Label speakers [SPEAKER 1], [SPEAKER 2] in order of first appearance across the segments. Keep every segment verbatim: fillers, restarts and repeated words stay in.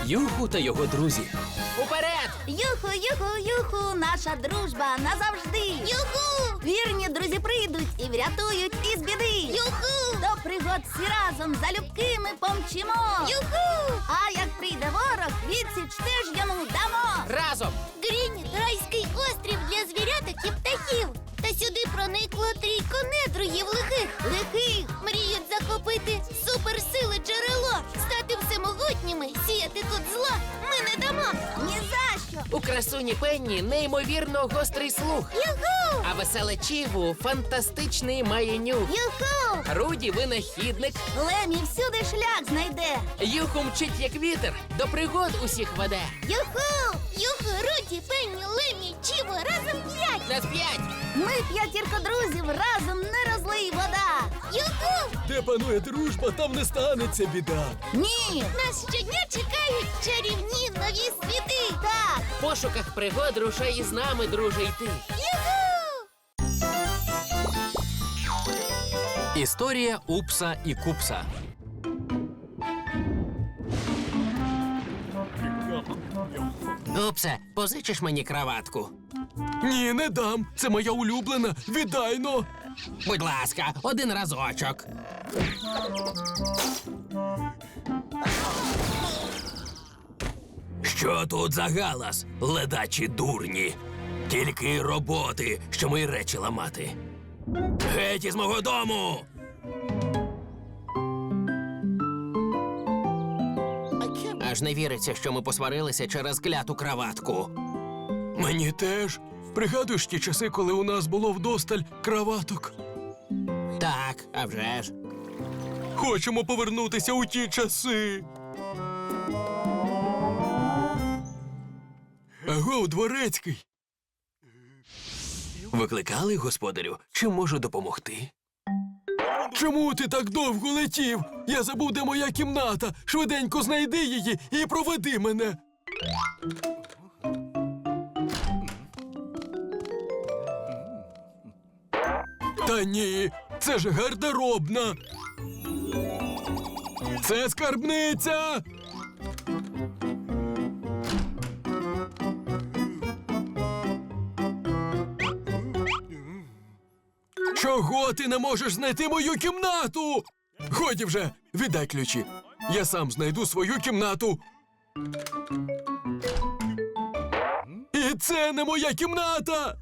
[SPEAKER 1] Юху та його друзі. Уперед!
[SPEAKER 2] Юху, юху, юху, наша дружба назавжди. Юху! Вірні друзі прийдуть і врятують із біди. Юху! До пригод всі разом залюбки ми помчимо. Юху! А як прийде ворог, відсіч теж йому дамо.
[SPEAKER 1] Разом!
[SPEAKER 3] Гріні – райський острів для звіряток і птахів. Та сюди проникло трійко недругів лихих.
[SPEAKER 2] Лихих!
[SPEAKER 3] Мріють захопити суперсили джерело, стати всемогутніми, сіяти тут зла ми не дамо.
[SPEAKER 2] Ні за що!
[SPEAKER 1] У красуні Пенні неймовірно гострий слух.
[SPEAKER 3] Юху!
[SPEAKER 1] А веселе Чіву фантастичний має нюх.
[SPEAKER 2] Юху!
[SPEAKER 1] Руді винахідник.
[SPEAKER 2] Лемі всюди шлях знайде.
[SPEAKER 1] Юху мчить як вітер, до пригод усіх веде.
[SPEAKER 2] Юху!
[SPEAKER 3] Юху, Руді, Пенні, Лемі, Чіво, разом п'ять!
[SPEAKER 1] На п'ять!
[SPEAKER 2] Ми п'ятірка друзів, разом не розлий вода.
[SPEAKER 3] Юху!
[SPEAKER 4] Де панує дружба, там не станеться біда.
[SPEAKER 2] Ні!
[SPEAKER 3] Нас щодня чекають чарівні нові світи!
[SPEAKER 2] Так!
[SPEAKER 1] В пошуках пригод рушай із нами, друже, йти.
[SPEAKER 3] Юху!
[SPEAKER 5] Історія Упса і Купса.
[SPEAKER 1] Упсе, позичиш мені краватку?
[SPEAKER 4] Ні, не дам. Це моя улюблена. Віддай но.
[SPEAKER 1] Будь ласка, один разочок.
[SPEAKER 5] Що тут за галас, ледачі дурні? Тільки й роботи, що мої речі ламати. Геть із мого дому!
[SPEAKER 1] Аж не віриться, що ми посварилися через кляту краватку.
[SPEAKER 4] Мені теж. Пригадуєш ті часи, коли у нас було вдосталь краваток?
[SPEAKER 1] Так, а вже ж.
[SPEAKER 4] Хочемо повернутися у ті часи. Агов, дворецький.
[SPEAKER 5] Викликали, господарю? Чи можу допомогти?
[SPEAKER 4] Чому ти так довго летів? Я забув, де моя кімната. Швиденько знайди її і проведи мене. Та ні, це ж гардеробна. Це скарбниця. Чого ти не можеш знайти мою кімнату? Годі вже, віддай ключі. Я сам знайду свою кімнату. І це не моя кімната.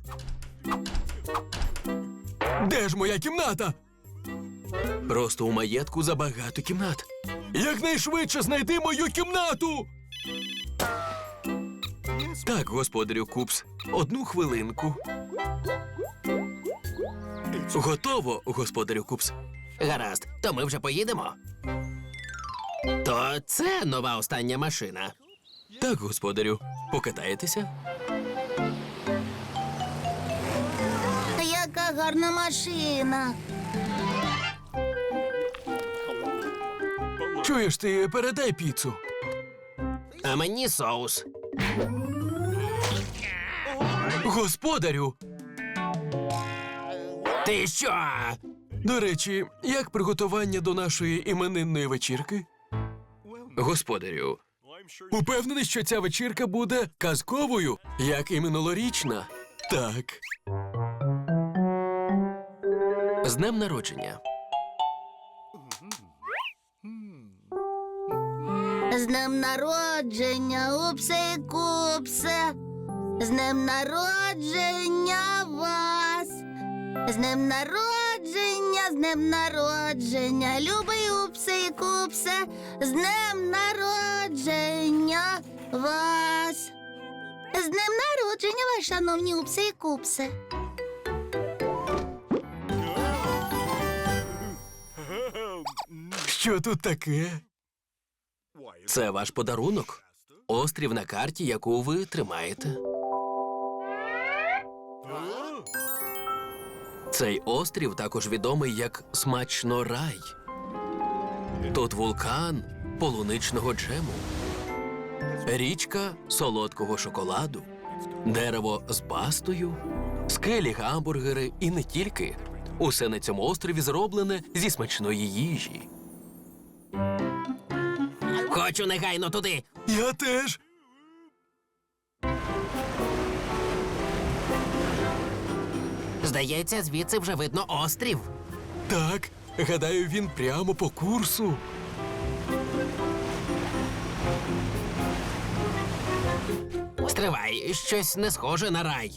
[SPEAKER 4] Де ж моя кімната?
[SPEAKER 5] Просто у маєтку забагато кімнат.
[SPEAKER 4] Якнайшвидше знайди мою кімнату.
[SPEAKER 5] Так, господарю Купс, одну хвилинку. Готово, господарю Купс.
[SPEAKER 1] Гаразд, то ми вже поїдемо. То це нова остання машина.
[SPEAKER 5] Так, господарю, покатаєтеся?
[SPEAKER 2] Яка гарна машина.
[SPEAKER 4] Чуєш, ти передай піцу.
[SPEAKER 1] А мені соус.
[SPEAKER 4] Господарю.
[SPEAKER 1] Ти що?
[SPEAKER 4] До речі, як приготування до нашої іменинної вечірки?
[SPEAKER 5] Господарю,
[SPEAKER 4] Упевнений, що ця вечірка буде казковою, як і минулорічна. Так.
[SPEAKER 5] з днем народження.
[SPEAKER 2] З днем народження, Упсе і Купсе. З днем народження вас. З днем народження, з днем народження, любий Упсе і Купсе. З днем народження вас. З днем народження вас, шановні Упсе і Купсе.
[SPEAKER 4] Що тут таке?
[SPEAKER 5] Це ваш подарунок. Острів на карті, яку ви тримаєте. Цей острів також відомий як Смачно рай. Тут вулкан полуничного джему, річка солодкого шоколаду, дерево з бастою, скелі, гамбургери і не тільки. Усе на цьому острові зроблене зі смачної їжі.
[SPEAKER 1] Хочу негайно туди.
[SPEAKER 4] Я теж.
[SPEAKER 1] Здається, звідси вже видно острів.
[SPEAKER 4] Так, гадаю, він прямо по курсу.
[SPEAKER 1] Стривай, щось не схоже на рай.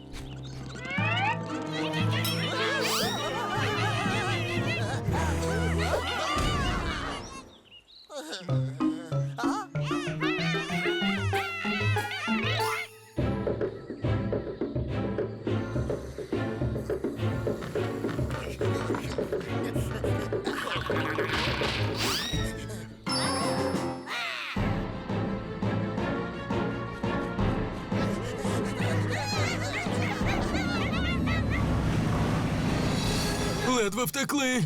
[SPEAKER 4] Ледве втекли.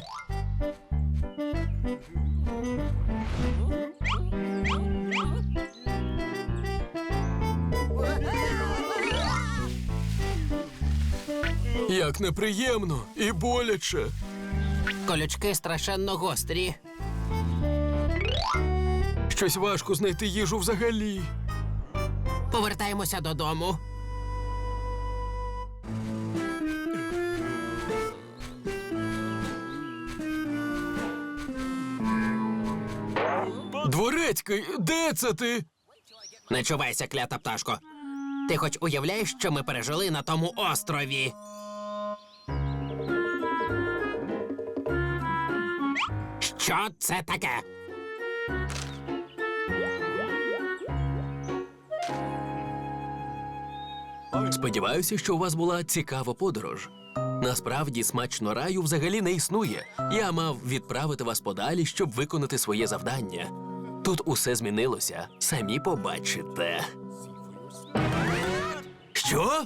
[SPEAKER 4] Як неприємно і боляче.
[SPEAKER 1] Колючки страшенно гострі.
[SPEAKER 4] Щось важко знайти їжу взагалі.
[SPEAKER 1] Повертаємося додому.
[SPEAKER 4] Дворецький, де це ти?
[SPEAKER 1] Не чувайся, клята пташко. Ти хоч уявляєш, що ми пережили на тому острові? Що це таке?
[SPEAKER 5] Сподіваюся, що у вас була цікава подорож. Насправді, смачно раю взагалі не існує. Я мав відправити вас подалі, щоб виконати своє завдання. Тут усе змінилося. Самі побачите. Що?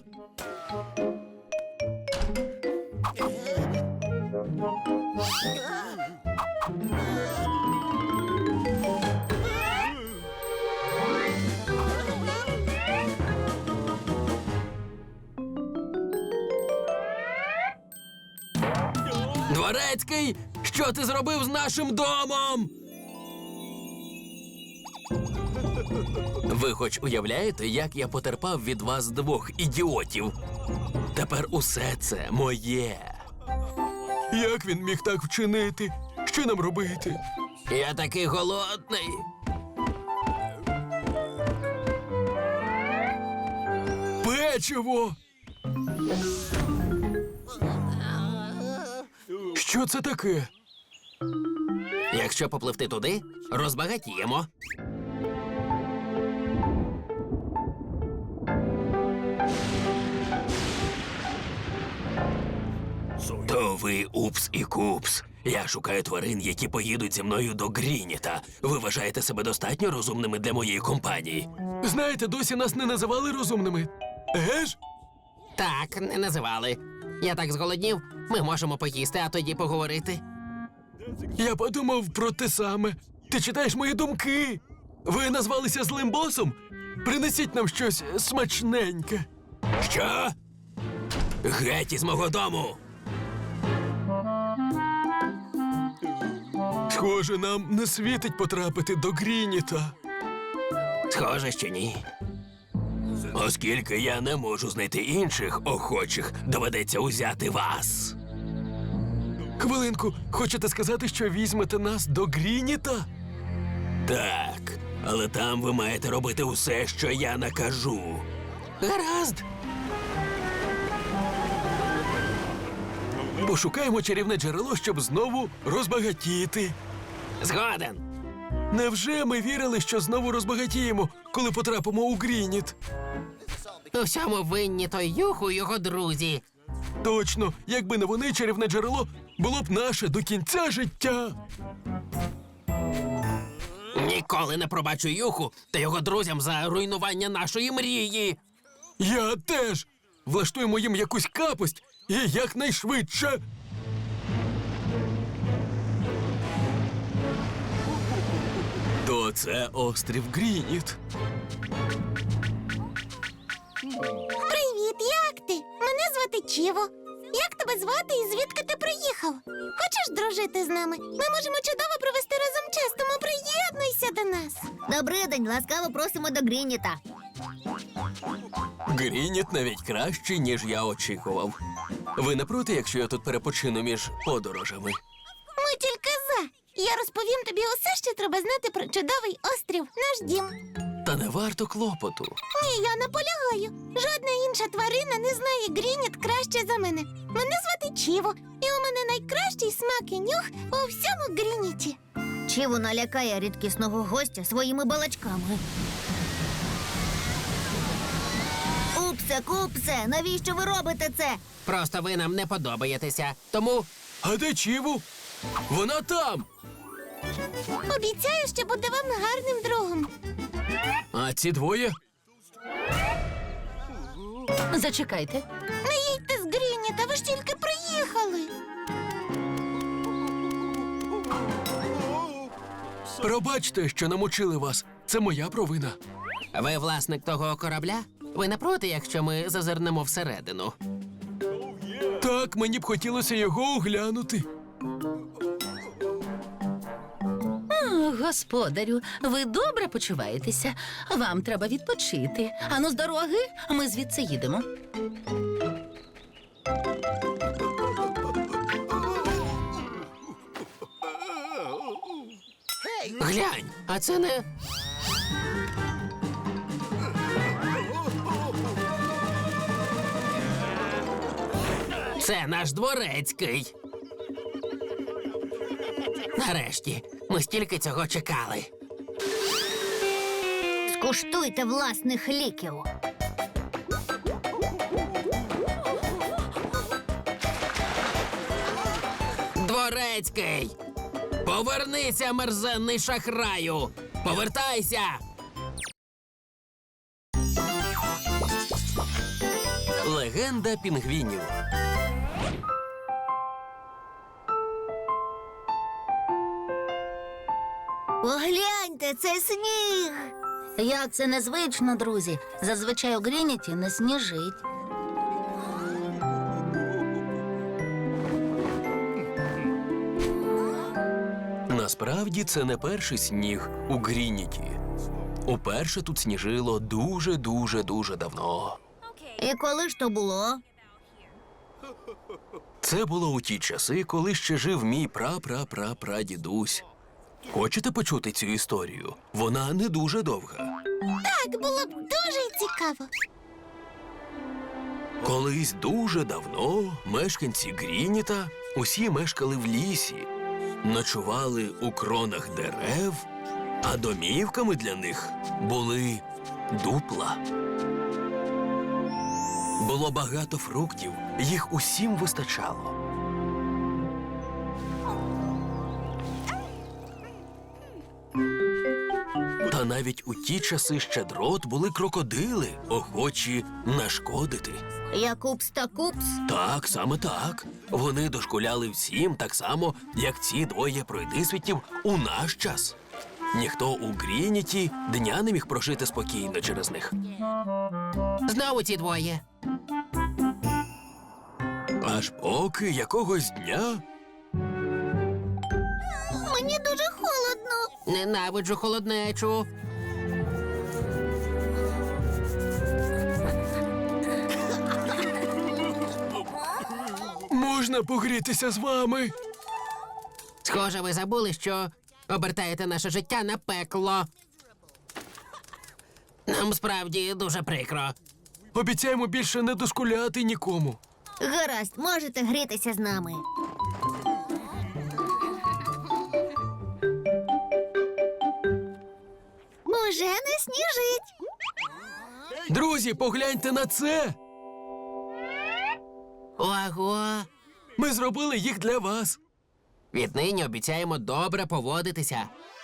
[SPEAKER 1] Дворецький, що ти зробив з нашим домом?
[SPEAKER 5] Ви хоч уявляєте, як я потерпав від вас двох ідіотів? Тепер усе це моє.
[SPEAKER 4] Як він міг так вчинити? Що нам робити?
[SPEAKER 1] Я такий голодний.
[SPEAKER 4] Печиво! Що це таке?
[SPEAKER 1] Якщо попливти туди, розбагатіємо.
[SPEAKER 5] То ви упс і купс. Я шукаю тварин, які поїдуть зі мною до Грініта. Ви вважаєте себе достатньо розумними для моєї компанії?
[SPEAKER 4] Знаєте, досі нас не називали розумними. Еге ж?
[SPEAKER 1] Так, не називали. Я так зголоднів, ми можемо поїсти, а тоді поговорити.
[SPEAKER 4] Я подумав про те саме. Ти читаєш мої думки. Ви назвалися злим босом? Принесіть нам щось смачненьке.
[SPEAKER 5] Що? Геть із мого дому!
[SPEAKER 4] Схоже, нам не світить потрапити до Грініта.
[SPEAKER 1] Схоже, що ні.
[SPEAKER 5] Оскільки я не можу знайти інших охочих, доведеться узяти вас.
[SPEAKER 4] Хвилинку, хочете сказати, що візьмете нас до Грініта?
[SPEAKER 5] Так, але там ви маєте робити усе, що я накажу.
[SPEAKER 1] Гаразд.
[SPEAKER 4] Пошукаємо чарівне джерело, щоб знову розбагатіти.
[SPEAKER 1] Згоден.
[SPEAKER 4] Невже ми вірили, що знову розбагатіємо, коли потрапимо у Грініт?
[SPEAKER 1] У всьому винні той Юху і його друзі.
[SPEAKER 4] Точно, якби не вони, чарівне джерело було б наше до кінця життя.
[SPEAKER 1] Ніколи не пробачу Юху та його друзям за руйнування нашої мрії.
[SPEAKER 4] Я теж. Влаштуємо їм якусь капость і якнайшвидше. То це острів Грініт.
[SPEAKER 3] Привіт, як ти? Мене звати Чіво. Як тебе звати і звідки ти приїхав? Хочеш дружити з нами? Ми можемо чудово провести разом час, тому приєднуйся до нас.
[SPEAKER 2] Добрий день, ласкаво просимо до Грініта.
[SPEAKER 5] Грініт навіть краще, ніж я очікував. Ви не проти, якщо я тут перепочину між подорожами?
[SPEAKER 3] Ми тільки за. Я розповім тобі усе, що треба знати про чудовий острів, наш дім.
[SPEAKER 5] Та не варто клопоту.
[SPEAKER 3] Ні, я наполягаю. Жодна інша тварина не знає Грініт краще за мене. Мене звати Чіво, і у мене найкращий смак і нюх у всьому Грініті.
[SPEAKER 2] Чіво налякає рідкісного гостя своїми балачками. Упсе, купсе, навіщо ви робите це?
[SPEAKER 1] Просто ви нам не подобаєтеся. Тому
[SPEAKER 4] А де Чіву? Вона там!
[SPEAKER 3] Обіцяю, що буду вам гарним другом.
[SPEAKER 4] А ці двоє?
[SPEAKER 6] Зачекайте.
[SPEAKER 3] Не їдьте з Грініта, ви ж тільки приїхали.
[SPEAKER 4] Пробачте, що намочили вас. Це моя провина.
[SPEAKER 1] ви власник того корабля? Ви не проти, якщо ми зазирнемо всередину?
[SPEAKER 4] Так, мені б хотілося його оглянути.
[SPEAKER 6] О, господарю, ви добре почуваєтеся. Вам треба відпочити. Ану, з дороги, ми звідси їдемо.
[SPEAKER 1] Глянь, а це не. Це наш дворецький. Нарешті, ми стільки цього чекали.
[SPEAKER 2] Скуштуйте власних ліків.
[SPEAKER 1] Дворецький! Повернися, мерзенний шахраю! Повертайся!
[SPEAKER 5] Легенда пінгвінів.
[SPEAKER 2] Погляньте, це сніг.
[SPEAKER 6] Як це незвично, друзі. Зазвичай у Грініті не сніжить.
[SPEAKER 5] Насправді це не перший сніг у Грініті. Уперше тут сніжило дуже-дуже-дуже давно.
[SPEAKER 2] І коли ж то було?
[SPEAKER 5] Це було у ті часи, коли ще жив мій пра-пра-пра-прадідусь. Хочете почути цю історію? Вона не дуже довга.
[SPEAKER 3] Так, було б дуже цікаво.
[SPEAKER 5] Колись дуже давно мешканці Грініта усі мешкали в лісі, ночували у кронах дерев, а домівками для них були дупла. Було багато фруктів, їх усім вистачало. Та навіть у ті часи щедрот були крокодили, охочі нашкодити.
[SPEAKER 2] Як упс та купс.
[SPEAKER 5] Так, саме так. Вони дошкуляли всім так само, як ці двоє пройдисвітів у наш час. Ніхто у Грініті дня не міг прожити спокійно через них.
[SPEAKER 1] Знову ці двоє.
[SPEAKER 5] Аж поки якогось дня
[SPEAKER 3] Мені дуже холодно.
[SPEAKER 1] Ненавиджу холоднечу.
[SPEAKER 4] Можна погрітися з вами?
[SPEAKER 1] Схоже, ви забули, що обертаєте наше життя на пекло. Нам справді дуже прикро.
[SPEAKER 4] Обіцяємо більше не дошкуляти нікому.
[SPEAKER 2] Гаразд, можете грітися з нами.
[SPEAKER 3] Уже не сніжить.
[SPEAKER 4] Друзі, погляньте на це!
[SPEAKER 1] Ого!
[SPEAKER 4] Ми зробили їх для вас.
[SPEAKER 1] Віднині обіцяємо добре поводитися.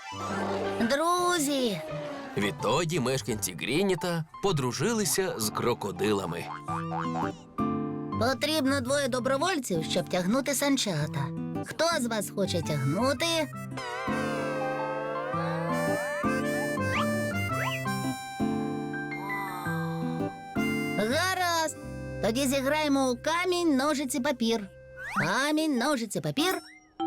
[SPEAKER 2] Друзі,
[SPEAKER 5] відтоді мешканці Грініта подружилися з крокодилами.
[SPEAKER 2] потрібно двоє добровольців, щоб тягнути санчата. Хто з вас хоче тягнути? Гаразд. Тоді зіграємо у камінь, ножиці, папір. Камінь, ножиці, папір.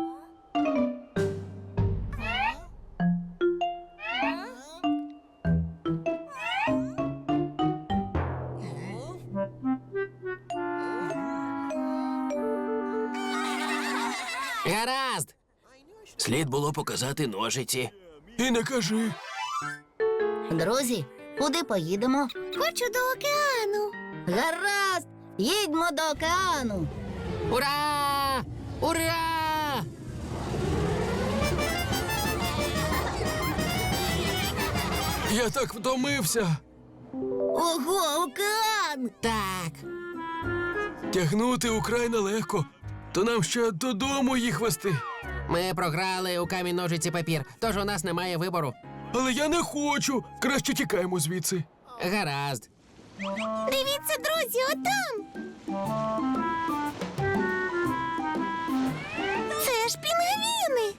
[SPEAKER 1] Гаразд.
[SPEAKER 5] Слід було показати ножиці.
[SPEAKER 4] І не кажи.
[SPEAKER 2] Друзі, куди поїдемо?
[SPEAKER 3] Хочу до океану.
[SPEAKER 2] Гаразд! Їдьмо до океану.
[SPEAKER 1] Ура! Ура!
[SPEAKER 4] Я так втомився.
[SPEAKER 2] Ого, океан!
[SPEAKER 1] Так.
[SPEAKER 4] Тягнути украй нелегко. То нам ще додому їх вести.
[SPEAKER 1] Ми програли у камінь, ножиці, папір, тож у нас немає вибору.
[SPEAKER 4] Але я не хочу. Краще тікаємо звідси.
[SPEAKER 1] Гаразд.
[SPEAKER 3] Дивіться, друзі, отам. Це ж пінгвіни.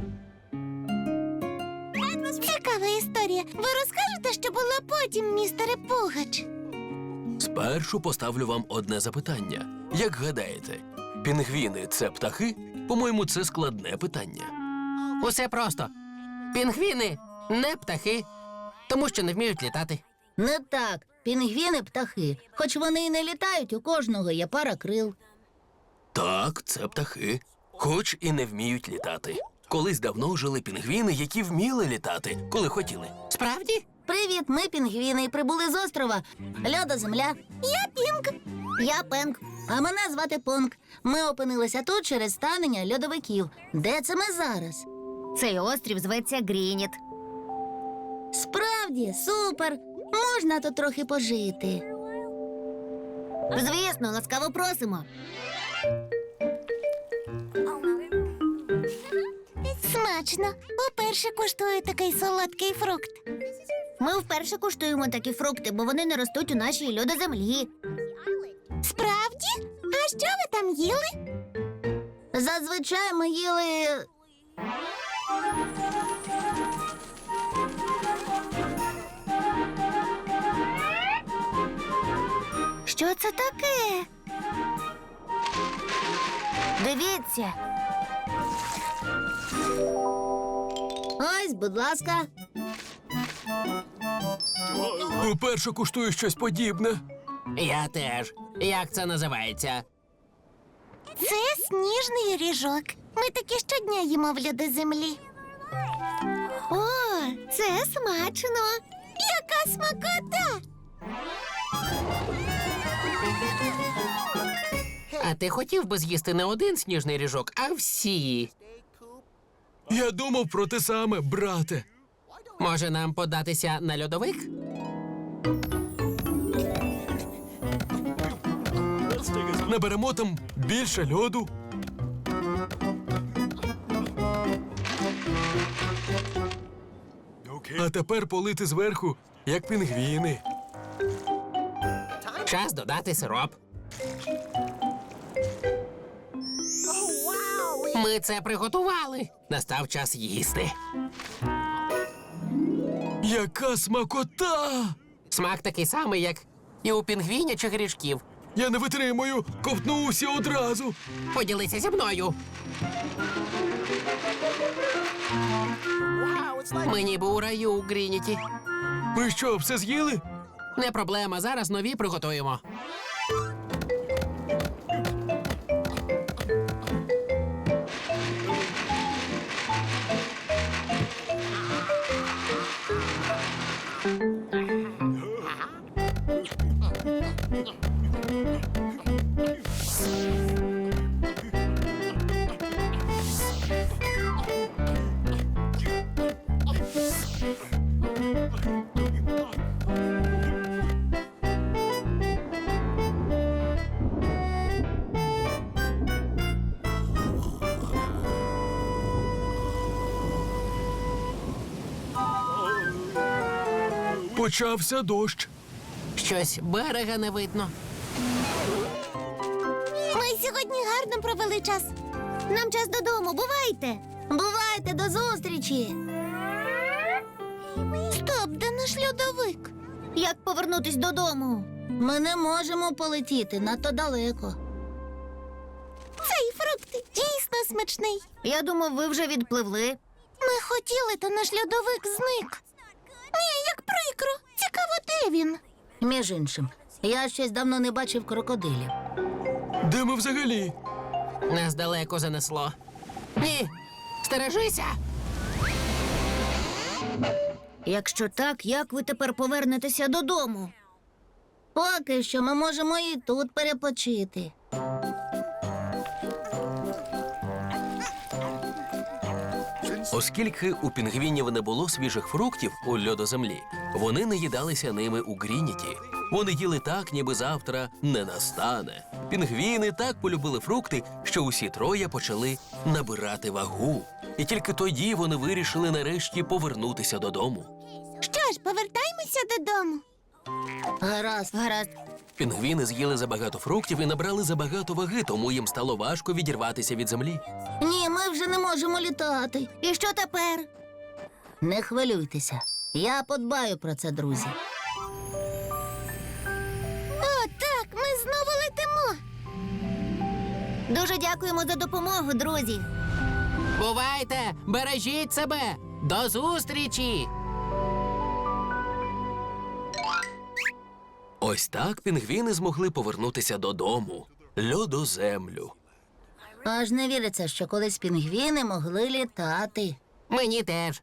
[SPEAKER 3] Цікава історія. Ви розкажете, що було потім, містере Пугач?
[SPEAKER 5] Спершу поставлю вам одне запитання. Як гадаєте, пінгвіни це птахи? По-моєму, це складне питання.
[SPEAKER 1] Усе просто. Пінгвіни не птахи, тому що не вміють літати.
[SPEAKER 2] Не так. Пінгвіни птахи. Хоч вони і не літають, у кожного є пара крил.
[SPEAKER 5] Так, це птахи, хоч і не вміють літати. Колись давно жили пінгвіни, які вміли літати, коли хотіли.
[SPEAKER 1] Справді?
[SPEAKER 2] Привіт, ми пінгвіни і прибули з острова. Льода земля.
[SPEAKER 3] Я Пінк.
[SPEAKER 2] Я Пенк. А мене звати Понк. Ми опинилися тут через станення льодовиків. Де це ми зараз?
[SPEAKER 3] Цей острів зветься Грініт.
[SPEAKER 2] Справді, супер! Можна тут трохи пожити.
[SPEAKER 3] Звісно, ласкаво просимо. Смачно. Уперше куштую такий солодкий фрукт. Ми вперше куштуємо такі фрукти, бо вони не ростуть у нашій льодоземлі. Справді? А що ви там їли?
[SPEAKER 2] Зазвичай ми їли.
[SPEAKER 3] Що це таке? Дивіться.
[SPEAKER 2] Ось, будь ласка.
[SPEAKER 4] Уперше куштую щось подібне.
[SPEAKER 1] Я теж. Як це називається?
[SPEAKER 3] Це сніжний ріжок. Ми такі щодня їмо в льодоземлі. О, це смачно. Яка смакота!
[SPEAKER 1] А ти хотів би з'їсти не один сніжний ріжок, а всі.
[SPEAKER 4] Я думав про те саме, брате.
[SPEAKER 1] Може, нам податися на льодовик?
[SPEAKER 4] Наберемо там більше льоду. А тепер полити зверху, як пінгвіни.
[SPEAKER 1] Час додати сироп. Ми це приготували. Настав час їсти.
[SPEAKER 4] Яка смакота!
[SPEAKER 1] Смак такий самий, як і у пінгвінячих грішків.
[SPEAKER 4] Я не витримую, ковтнувся одразу.
[SPEAKER 1] Поділися зі мною. Ми ніби у раю у Грініті.
[SPEAKER 4] Ви що, все з'їли?
[SPEAKER 1] Не проблема, зараз нові приготуємо.
[SPEAKER 4] Почався дощ.
[SPEAKER 1] Щось берега не видно.
[SPEAKER 3] Ми сьогодні гарно провели час. Нам час додому, бувайте.
[SPEAKER 2] Бувайте, до зустрічі!
[SPEAKER 3] Стоп, де наш льодовик? Як повернутись додому?
[SPEAKER 2] Ми не можемо полетіти надто далеко.
[SPEAKER 3] Цей фрукт дійсно смачний. Я думав, ви вже відпливли. Ми хотіли, та наш льодовик зник. Ні, як прикро. Цікаво, де він?
[SPEAKER 2] Між іншим, я щось давно не бачив крокодилів.
[SPEAKER 4] Де ми взагалі?
[SPEAKER 1] Нас далеко занесло. Ні, стережися!
[SPEAKER 3] Якщо так, як ви тепер повернетеся додому?
[SPEAKER 2] Поки що ми можемо і тут перепочити.
[SPEAKER 5] Оскільки у пінгвінів не було свіжих фруктів у льодоземлі, вони не їдалися ними у Грініті. Вони їли так, ніби завтра не настане. Пінгвіни так полюбили фрукти, що усі троє почали набирати вагу. І тільки тоді вони вирішили нарешті повернутися додому.
[SPEAKER 3] Що ж, повертаймося додому.
[SPEAKER 2] Гаразд.
[SPEAKER 3] Гаразд.
[SPEAKER 5] Пінгвіни з'їли забагато фруктів і набрали забагато ваги, тому їм стало важко відірватися від землі.
[SPEAKER 2] Ні, ми вже не можемо літати.
[SPEAKER 3] І що тепер?
[SPEAKER 2] Не хвилюйтеся. Я подбаю про це, друзі.
[SPEAKER 3] О, так, ми знову летимо. Дуже дякуємо за допомогу, друзі.
[SPEAKER 1] Бувайте! Бережіть себе! До зустрічі!
[SPEAKER 5] Ось так пінгвіни змогли повернутися додому, льодоземлю.
[SPEAKER 2] Аж не віриться, що колись пінгвіни могли літати.
[SPEAKER 1] Мені теж.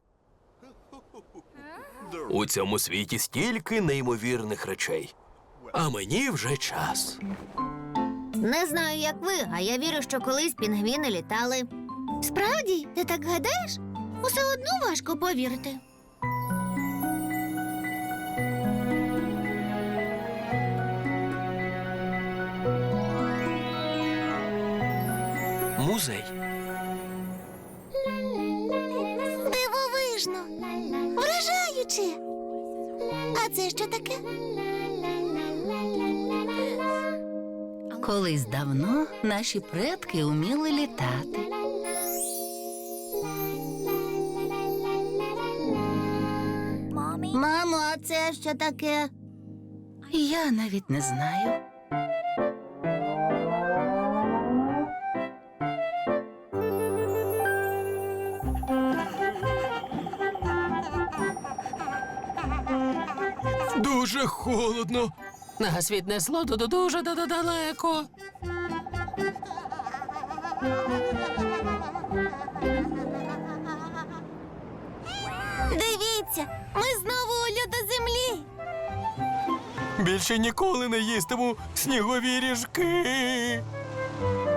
[SPEAKER 5] У цьому світі стільки неймовірних речей. А мені вже час.
[SPEAKER 3] Не знаю, як ви, а я вірю, що колись пінгвіни літали. Справді, ти так гадаєш? Усе одно важко повірити.
[SPEAKER 5] Музей.
[SPEAKER 3] Дивовижно. Вражаюче. А це що таке?
[SPEAKER 6] Колись давно наші предки уміли літати.
[SPEAKER 2] Мамо, а це що таке?
[SPEAKER 6] Я навіть не знаю.
[SPEAKER 4] Дуже холодно.
[SPEAKER 1] Нас віднесло до дуже далеко.
[SPEAKER 3] Дивіться, ми знову у льодоземлі.
[SPEAKER 4] Більше ніколи не їстиму снігові ріжки.